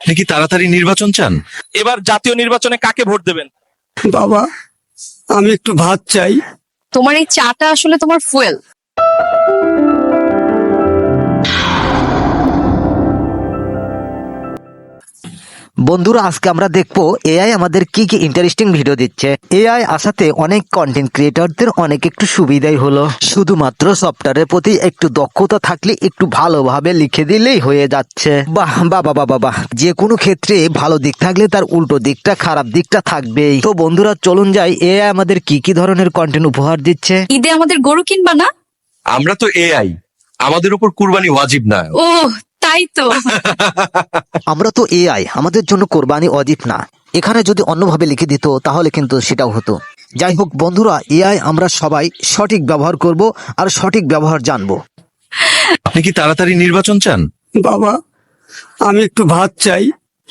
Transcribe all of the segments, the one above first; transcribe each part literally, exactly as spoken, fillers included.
আপনি কি তাড়াতাড়ি নির্বাচন চান? এবার জাতীয় নির্বাচনে কাকে ভোট দেবেন? বাবা, আমি একটু ভাত চাই। তোমার এই চাটা আসলে তোমার ফুয়েল। বন্ধুরা, আজকে আমরা দেখবো এআই আমাদের কি কি ইন্টারেস্টিং ভিডিও দিচ্ছে। এআই আসাতে অনেক কন্টেন্ট ক্রিয়েটরদের অনেক একটু সুবিধাই হলো। শুধুমাত্র সফটওয়্যারের প্রতি একটু দক্ষতা থাকলে একটু ভালোভাবে লিখে দিলেই হয়ে যাচ্ছে। বাহ বাবা বাবা বাহ, যে কোনো ক্ষেত্রে ভালো দিক থাকলে তার উল্টো দিকটা, খারাপ দিকটা থাকবেই। তো বন্ধুরা, চলুন যাই এআই আমাদের কি কি ধরনের কন্টেন্ট উপহার দিচ্ছে। ঈদে আমাদের গরু কিনবা না? আমরা তো এআই, আমাদের উপর কুরবানি ওয়াজিব না। ও তাই তো। আমরা তো এআই, আমাদের জন্য কোরবানি অজিব না। এখানে যদি অন্যভাবে লিখে দিত তাহলে কিন্তু সেটাও হতো। যাই হোক বন্ধুরা, এআই আমরা সবাই সঠিক ব্যবহার করব আর সঠিক ব্যবহার জানবো। আপনি কি তাড়াতাড়ি নির্বাচন চান? বাবা, আমি একটু ভাত চাই।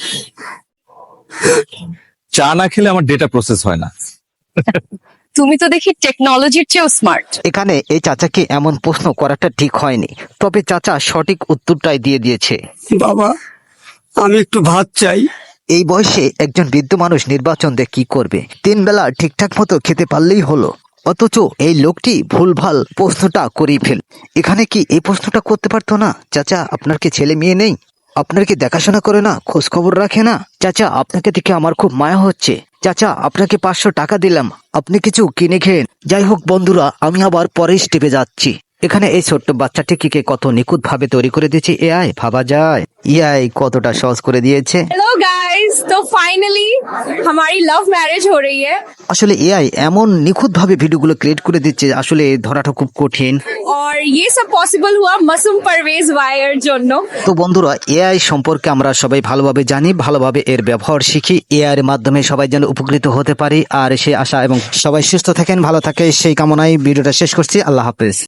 চা না খেলে আমার ডেটা প্রসেস হয় না। তুমি তো দেখি টেকনোলজির চেয়েও স্মার্ট। এখানে এই চাচাকে এমন প্রশ্ন করাটা ঠিক হয়নি, তবে চাচা সঠিক উত্তরটাই দিয়ে দিয়েছে। বাবা, আমি একটু ভাত চাই। এই বয়সে একজন বৃদ্ধ মানুষ নির্বাচন দিয়ে কি করবে? তিন বেলা ঠিকঠাক মতো খেতে পারলেই হলো। অথচ এই লোকটি ভুলভাল প্রশ্নটা করেই ফেল। এখানে কি এই প্রশ্নটা করতে পারতো না? চাচা, আপনার কি ছেলে মেয়ে নেই? আপনার কি দেখাশোনা করে না, খোঁজ খবর রাখে না? চাচা, আপনাকে দেখে আমার খুব মায়া হচ্ছে। চাচা, আপনাকে পাঁচশো টাকা দিলাম, আপনি কিছু কিনে খেন। যাই হোক বন্ধুরা, আমি আবার পরের স্টেপে যাচ্ছি। এখানে এই ছোট্ট বাচ্চাটিকে কত নিখুঁত ভাবে তৈরি করে দিয়েছে এআই, ভাবা যায় এআই কতটা সহজ করে দিয়েছে। हेलो गाइस, तो फाइनली हमारी लव मैरिज हो रही है আসলে এআই এমন নিখুঁত ভাবে ভিডিওগুলো ক্রিয়েট করে দিচ্ছে, আসলে ধরাটা খুব কঠিন। और ये सब पॉसिबल हुआ मासूम परवेज वायर জন্য। তো বন্ধুরা, এআই সম্পর্কে আমরা সবাই ভালোভাবে জানি, ভালোভাবে এর ব্যবহার শিখি। এআই এর মাধ্যমে সবাই যেন উপকৃত হতে পারি, আর সে আশা এবং সবাই সুস্থ থাকেন, ভালো থাকে সেই কামনায় ভিডিওটা শেষ করছি। আল্লাহ হাফেজ।